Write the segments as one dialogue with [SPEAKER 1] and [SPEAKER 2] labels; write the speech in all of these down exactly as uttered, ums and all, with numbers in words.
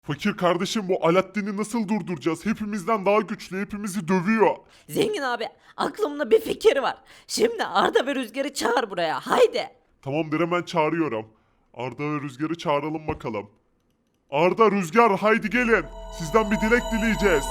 [SPEAKER 1] Fakir kardeşim bu Alaaddin'i nasıl durduracağız? Hepimizden daha güçlü, hepimizi dövüyor.
[SPEAKER 2] Zengin abi aklımda bir fikir var. Şimdi Arda ve Rüzgar'ı çağır buraya haydi.
[SPEAKER 1] Tamamdır hemen çağırıyorum. Arda ve Rüzgar'ı çağıralım bakalım. Arda, Rüzgar haydi gelin. Sizden bir dilek dileyeceğiz.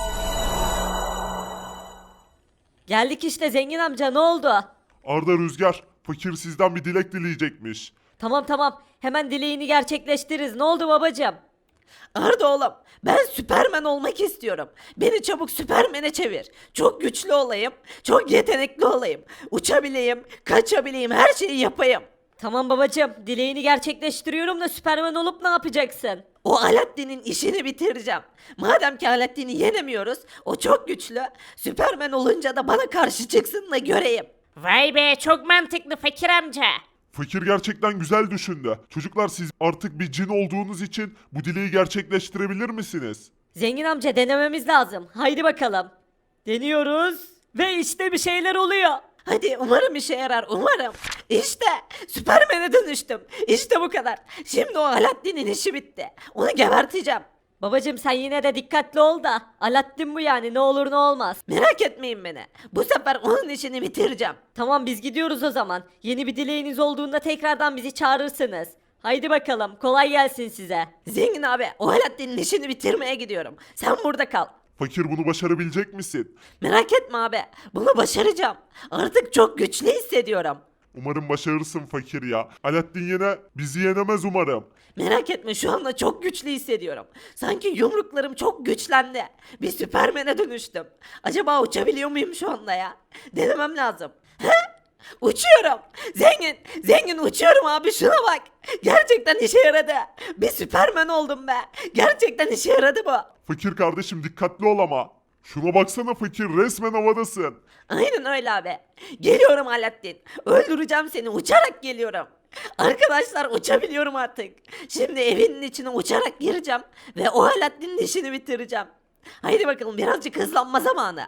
[SPEAKER 2] Geldik işte zengin amca ne oldu?
[SPEAKER 1] Arda, Rüzgar, fakir sizden bir dilek dileyecekmiş.
[SPEAKER 2] Tamam tamam hemen dileğini gerçekleştiririz ne oldu babacığım? Arda oğlum ben Süpermen olmak istiyorum. Beni çabuk Süpermen'e çevir. Çok güçlü olayım, çok yetenekli olayım. Uçabileyim, kaçabileyim, her şeyi yapayım. Tamam babacığım dileğini gerçekleştiriyorum da Süpermen olup ne yapacaksın? O Alaaddin'in işini bitireceğim. Madem ki Alaaddin'i yenemiyoruz, o çok güçlü. Süpermen olunca da bana karşı çıksın da göreyim.
[SPEAKER 3] Vay be çok mantıklı fakir amca.
[SPEAKER 1] Fakir gerçekten güzel düşündü. Çocuklar siz artık bir cin olduğunuz için bu dileği gerçekleştirebilir misiniz?
[SPEAKER 2] Zengin amca denememiz lazım. Haydi bakalım. Deniyoruz ve işte bir şeyler oluyor. Hadi umarım işe yarar umarım. İşte Süpermen'e dönüştüm. İşte bu kadar. Şimdi o Alaaddin'in işi bitti. Onu geberteceğim. Babacım sen yine de dikkatli ol da. Alaaddin bu yani ne olur ne olmaz. Merak etmeyin beni. Bu sefer onun işini bitireceğim. Tamam biz gidiyoruz o zaman. Yeni bir dileğiniz olduğunda tekrardan bizi çağırırsınız. Haydi bakalım kolay gelsin size. Zengin abi o Alaaddin'in işini bitirmeye gidiyorum. Sen burada kal.
[SPEAKER 1] Fakir bunu başarabilecek misin?
[SPEAKER 2] Merak etme abi. Bunu başaracağım. Artık çok güçlü hissediyorum.
[SPEAKER 1] Umarım başarırsın fakir ya. Alaaddin yine bizi yenemez umarım.
[SPEAKER 2] Merak etme şu anda çok güçlü hissediyorum. Sanki yumruklarım çok güçlendi. Bir Süpermen'e dönüştüm. Acaba uçabiliyor muyum şu anda ya? Denemem lazım. He? Uçuyorum. Zengin, zengin uçuyorum abi şuna bak. Gerçekten işe yaradı. Bir Süpermen oldum be. Gerçekten işe yaradı bu.
[SPEAKER 1] Fakir kardeşim dikkatli ol ama. Şuna baksana fakir, resmen havadasın.
[SPEAKER 2] Aynen öyle abi. Geliyorum Alaaddin. Öldüreceğim seni uçarak geliyorum. Arkadaşlar uçabiliyorum artık. Şimdi evinin içine uçarak gireceğim ve o Alaaddin'in işini bitireceğim. Haydi bakalım birazcık hızlanma zamanı.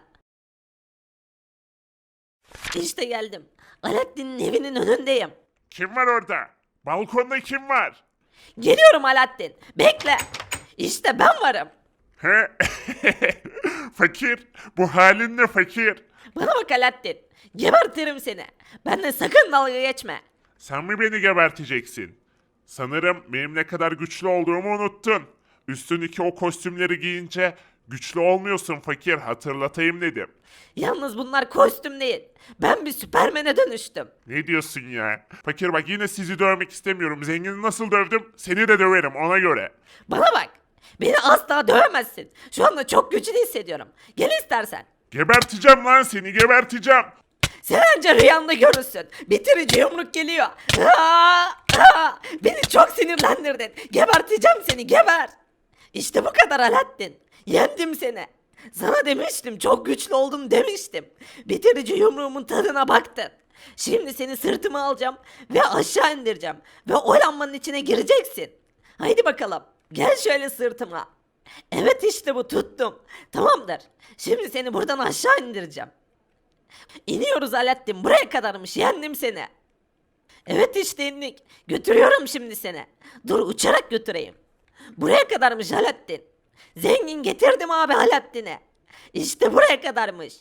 [SPEAKER 2] İşte geldim. Alaaddin'in evinin önündeyim.
[SPEAKER 1] Kim var orada? Balkonda kim var?
[SPEAKER 2] Geliyorum Alaaddin. Bekle. İşte ben varım.
[SPEAKER 1] He? Fakir, bu halin ne fakir?
[SPEAKER 2] Bana bak Alaaddin. Gebertirim seni. Benden sakın dalga geçme.
[SPEAKER 1] Sen mi beni geberteceksin? Sanırım benim ne kadar güçlü olduğumu unuttun. Üstündeki o kostümleri giyince güçlü olmuyorsun fakir, hatırlatayım dedim.
[SPEAKER 2] Yalnız bunlar kostüm değil. Ben bir Süpermen'e dönüştüm.
[SPEAKER 1] Ne diyorsun ya? Fakir bak yine sizi dövmek istemiyorum. Zengini nasıl dövdüm? Seni de döverim ona göre.
[SPEAKER 2] Bana bak. Beni asla dövemezsin. Şu anda çok güçlü hissediyorum. Gel istersen.
[SPEAKER 1] Geberteceğim lan seni, geberteceğim.
[SPEAKER 2] Sen anca rüyanda görürsün. Bitirici yumruk geliyor. Aa, aa, beni çok sinirlendirdin. Geberteceğim seni geber. İşte bu kadar Alaaddin. Yendim seni. Sana demiştim çok güçlü oldum demiştim. Bitirici yumruğumun tadına baktın. Şimdi seni sırtıma alacağım ve aşağı indireceğim. Ve o lambanın içine gireceksin. Haydi bakalım. Gel şöyle sırtıma. Evet işte bu tuttum. Tamamdır. Şimdi seni buradan aşağı indireceğim. İniyoruz Alaaddin buraya kadarmış yendim seni. Evet işte indik. Götürüyorum şimdi seni. Dur uçarak götüreyim. Buraya kadarmış Alaaddin. Zengin getirdim abi Alaaddin'e. İşte buraya kadarmış.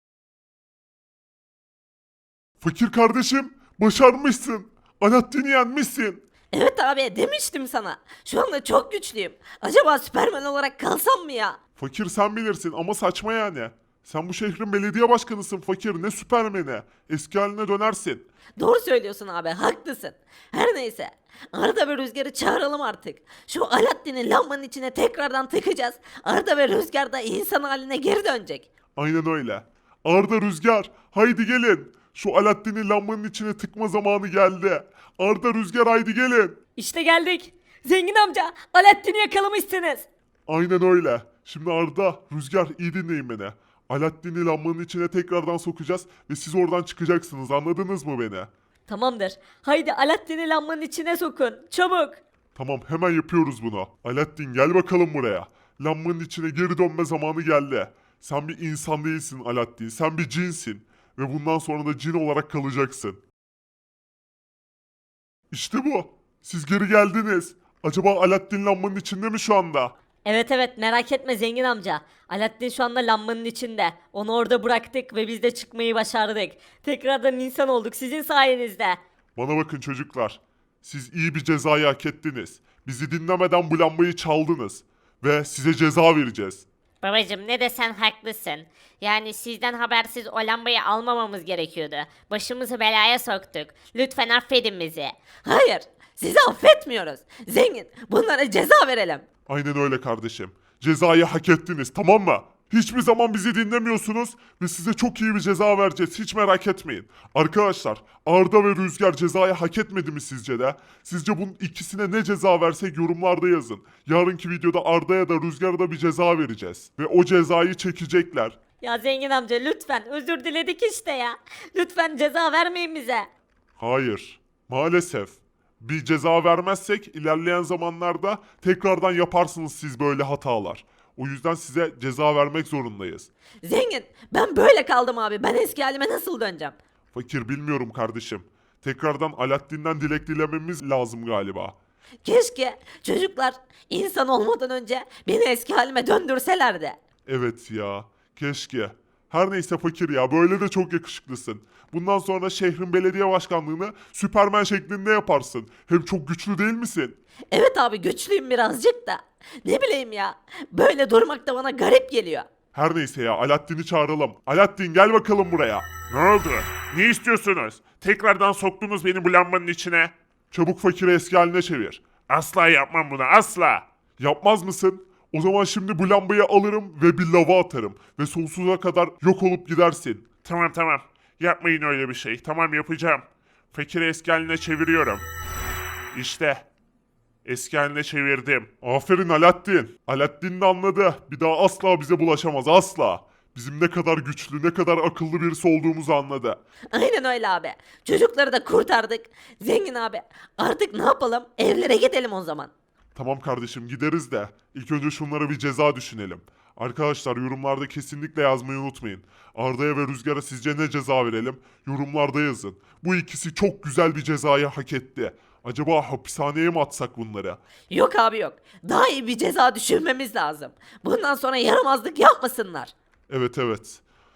[SPEAKER 1] Fakir kardeşim, başarmışsın. Alaaddin'i yenmişsin.
[SPEAKER 2] Evet abi demiştim sana. Şu anda çok güçlüyüm. Acaba Süperman olarak kalsam mı ya?
[SPEAKER 1] Fakir sen bilirsin ama saçma yani. Sen bu şehrin belediye başkanısın fakir, ne süpermeni. Eski haline dönersin.
[SPEAKER 2] Doğru söylüyorsun abi haklısın. Her neyse. Arda ve Rüzgar'ı çağıralım artık. Şu Alaaddin'i lambanın içine tekrardan tıkacağız. Arda ve Rüzgar da insan haline geri dönecek.
[SPEAKER 1] Aynen öyle. Arda, Rüzgar, haydi gelin. Şu Alaaddin'i lambanın içine tıkma zamanı geldi. Arda, Rüzgar haydi gelin.
[SPEAKER 2] İşte geldik. Zengin amca Alaaddin'i yakalamışsınız.
[SPEAKER 1] Aynen öyle. Şimdi Arda, Rüzgar iyi dinleyin beni. Alaaddin'i lambanın içine tekrardan sokacağız ve siz oradan çıkacaksınız, anladınız mı beni?
[SPEAKER 2] Tamamdır. Haydi Alaaddin'i lambanın içine sokun. Çabuk.
[SPEAKER 1] Tamam hemen yapıyoruz bunu. Alaaddin gel bakalım buraya. Lambanın içine geri dönme zamanı geldi. Sen bir insan değilsin Alaaddin, sen bir cinsin. Ve bundan sonra da cin olarak kalacaksın. İşte bu. Siz geri geldiniz. Acaba Alaaddin lambanın içinde mi şu anda?
[SPEAKER 4] Evet evet merak etme zengin amca. Alaaddin şu anda lambanın içinde. Onu orada bıraktık ve biz de çıkmayı başardık. Tekrardan insan olduk sizin sayenizde.
[SPEAKER 1] Bana bakın çocuklar. Siz iyi bir cezayı hak ettiniz. Bizi dinlemeden bu lambayı çaldınız. Ve size ceza vereceğiz.
[SPEAKER 3] Babacım ne desen haklısın. Yani sizden habersiz o lambayı almamamız gerekiyordu. Başımızı belaya soktuk. Lütfen affedin bizi.
[SPEAKER 2] Hayır, sizi affetmiyoruz. Zengin, bunlara ceza verelim.
[SPEAKER 1] Aynen öyle kardeşim. Cezayı hak ettiniz, tamam mı? Hiçbir zaman bizi dinlemiyorsunuz ve size çok iyi bir ceza vereceğiz. Hiç merak etmeyin. Arkadaşlar, Arda ve Rüzgar cezayı hak etmedi mi sizce de? Sizce bunun ikisine ne ceza versek yorumlarda yazın. Yarınki videoda Arda'ya da Rüzgar'a da bir ceza vereceğiz. Ve o cezayı çekecekler.
[SPEAKER 4] Ya zengin amca lütfen özür diledik işte ya. Lütfen ceza vermeyin bize.
[SPEAKER 1] Hayır, maalesef. Bir ceza vermezsek ilerleyen zamanlarda tekrardan yaparsınız siz böyle hatalar. O yüzden size ceza vermek zorundayız.
[SPEAKER 2] Zengin, ben böyle kaldım abi. Ben eski halime nasıl döneceğim?
[SPEAKER 1] Fakir bilmiyorum kardeşim. Tekrardan Alaaddin'den dilek dilememiz lazım galiba.
[SPEAKER 2] Keşke çocuklar insan olmadan önce beni eski halime döndürselerdi.
[SPEAKER 1] Evet ya, keşke. Her neyse fakir ya, böyle de çok yakışıklısın. Bundan sonra şehrin belediye başkanlığını Süpermen şeklinde yaparsın. Hem çok güçlü değil misin?
[SPEAKER 2] Evet abi güçlüyüm birazcık da. Ne bileyim ya. Böyle durmak da bana garip geliyor.
[SPEAKER 1] Her neyse ya, Alaaddin'i çağıralım. Alaaddin gel bakalım buraya.
[SPEAKER 5] Ne oldu? Ne istiyorsunuz? Tekrardan soktunuz beni bu lambanın içine.
[SPEAKER 1] Çabuk fakiri eski haline çevir.
[SPEAKER 5] Asla yapmam bunu, asla.
[SPEAKER 1] Yapmaz mısın? O zaman şimdi bu lambayı alırım ve bir lava atarım. Ve sonsuza kadar yok olup gidersin.
[SPEAKER 5] Tamam tamam. Yapmayın öyle bir şey. Tamam yapacağım. Fakiri eski haline çeviriyorum. İşte. Eski haline çevirdim.
[SPEAKER 1] Aferin Alaaddin. Alaaddin de anladı. Bir daha asla bize bulaşamaz, asla. Bizim ne kadar güçlü, ne kadar akıllı birisi olduğumuzu anladı.
[SPEAKER 2] Aynen öyle abi. Çocukları da kurtardık. Zengin abi artık ne yapalım? Evlere gidelim o zaman.
[SPEAKER 1] Tamam kardeşim, gideriz de ilk önce şunlara bir ceza düşünelim. Arkadaşlar yorumlarda kesinlikle yazmayı unutmayın. Arda'ya ve Rüzgar'a sizce ne ceza verelim? Yorumlarda yazın. Bu ikisi çok güzel bir cezayı hak etti. Acaba hapishaneye mi atsak bunları?
[SPEAKER 2] Yok abi yok. Daha iyi bir ceza düşünmemiz lazım. Bundan sonra yaramazlık yapmasınlar.
[SPEAKER 1] Evet evet.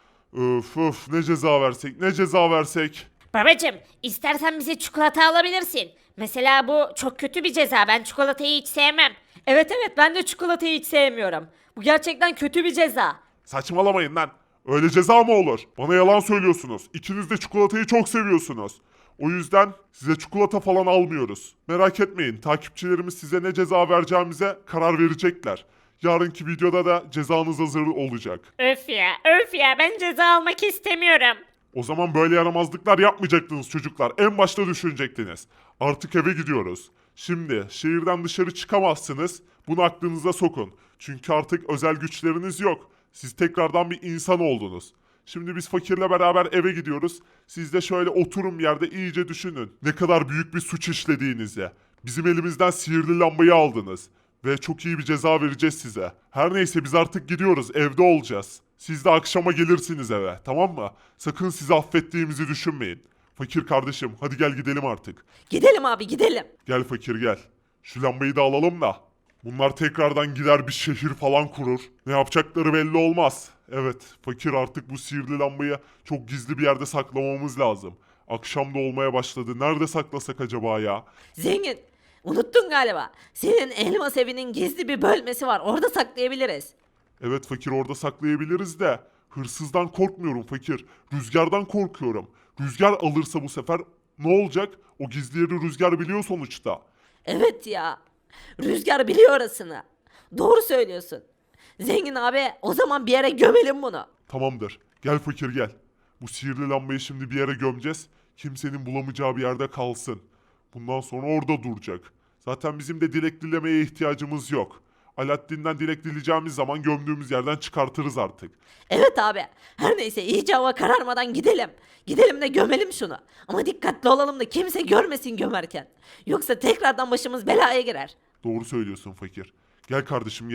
[SPEAKER 1] Öf öf, ne ceza versek, ne ceza versek?
[SPEAKER 3] Babacım istersen bize çikolata alabilirsin. Mesela bu çok kötü bir ceza. Ben çikolatayı hiç sevmem.
[SPEAKER 4] Evet evet ben de çikolatayı hiç sevmiyorum. Bu gerçekten kötü bir ceza.
[SPEAKER 1] Saçmalamayın lan. Öyle ceza mı olur? Bana yalan söylüyorsunuz. İkiniz de çikolatayı çok seviyorsunuz. O yüzden size çikolata falan almıyoruz. Merak etmeyin, takipçilerimiz size ne ceza vereceğimize karar verecekler. Yarınki videoda da cezanız hazır olacak.
[SPEAKER 3] Öf ya öf ya ben ceza almak istemiyorum.
[SPEAKER 1] O zaman böyle yaramazlıklar yapmayacaktınız çocuklar. En başta düşünecektiniz. Artık eve gidiyoruz. Şimdi şehirden dışarı çıkamazsınız. Bunu aklınıza sokun. Çünkü artık özel güçleriniz yok. Siz tekrardan bir insan oldunuz. Şimdi biz fakirle beraber eve gidiyoruz. Siz de şöyle oturun bir yerde iyice düşünün. Ne kadar büyük bir suç işlediğinizi. Bizim elimizden sihirli lambayı aldınız. Ve çok iyi bir ceza vereceğiz size. Her neyse biz artık gidiyoruz. Evde olacağız. Siz de akşama gelirsiniz eve, tamam mı? Sakın sizi affettiğimizi düşünmeyin. Fakir kardeşim, hadi gel gidelim artık.
[SPEAKER 2] Gidelim abi gidelim.
[SPEAKER 1] Gel fakir gel. Şu lambayı da alalım da. Bunlar tekrardan gider bir şehir falan kurur. Ne yapacakları belli olmaz. Evet, fakir artık bu sihirli lambayı çok gizli bir yerde saklamamız lazım. Akşam da olmaya başladı. Nerede saklasak acaba ya?
[SPEAKER 2] Zengin, unuttun galiba. Senin elmas evinin gizli bir bölmesi var. Orada saklayabiliriz.
[SPEAKER 1] Evet fakir, orada saklayabiliriz de hırsızdan korkmuyorum fakir. Rüzgardan korkuyorum. Rüzgar alırsa bu sefer ne olacak? O gizli yeri Rüzgar biliyor sonuçta.
[SPEAKER 2] Evet ya. Rüzgar biliyor orasını. Doğru söylüyorsun. Zengin abi o zaman bir yere gömelim bunu.
[SPEAKER 1] Tamamdır. Gel fakir gel. Bu sihirli lambayı şimdi bir yere gömeceğiz. Kimsenin bulamayacağı bir yerde kalsın. Bundan sonra orada duracak. Zaten bizim de dilek dilemeye ihtiyacımız yok. Alaaddin'den dilek dileyeceğimiz zaman gömdüğümüz yerden çıkartırız artık.
[SPEAKER 2] Evet abi. Her neyse iyice hava kararmadan gidelim. Gidelim de gömelim şunu. Ama dikkatli olalım da kimse görmesin gömerken. Yoksa tekrardan başımız belaya girer.
[SPEAKER 1] Doğru söylüyorsun fakir. Gel kardeşim gel.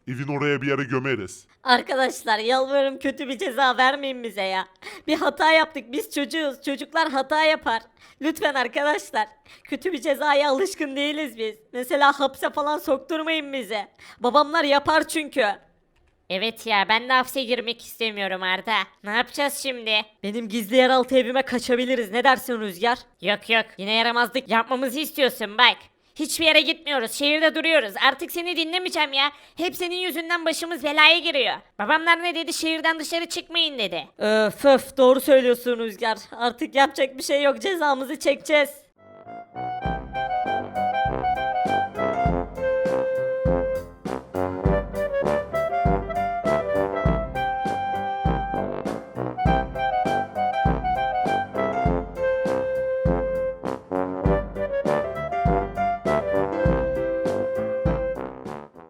[SPEAKER 1] Evin oraya bir yere gömeriz.
[SPEAKER 4] Arkadaşlar yalvarırım kötü bir ceza vermeyin bize ya. Bir hata yaptık biz çocuğuz. Çocuklar hata yapar. Lütfen arkadaşlar. Kötü bir cezaya alışkın değiliz biz. Mesela hapse falan sokturmayın bizi. Babamlar yapar çünkü.
[SPEAKER 3] Evet ya ben de hapse girmek istemiyorum Arda. Ne yapacağız şimdi?
[SPEAKER 4] Benim gizli yeraltı evime kaçabiliriz. Ne dersin Rüzgar?
[SPEAKER 3] Yok yok yine yaramazlık yapmamızı istiyorsun bak. Hiçbir yere gitmiyoruz. Şehirde duruyoruz. Artık seni dinlemeyeceğim ya. Hep senin yüzünden başımız belaya giriyor. Babamlar ne dedi? Şehirden dışarı çıkmayın dedi.
[SPEAKER 4] Öf öf doğru söylüyorsun Rüzgar. Artık yapacak bir şey yok. Cezamızı çekeceğiz.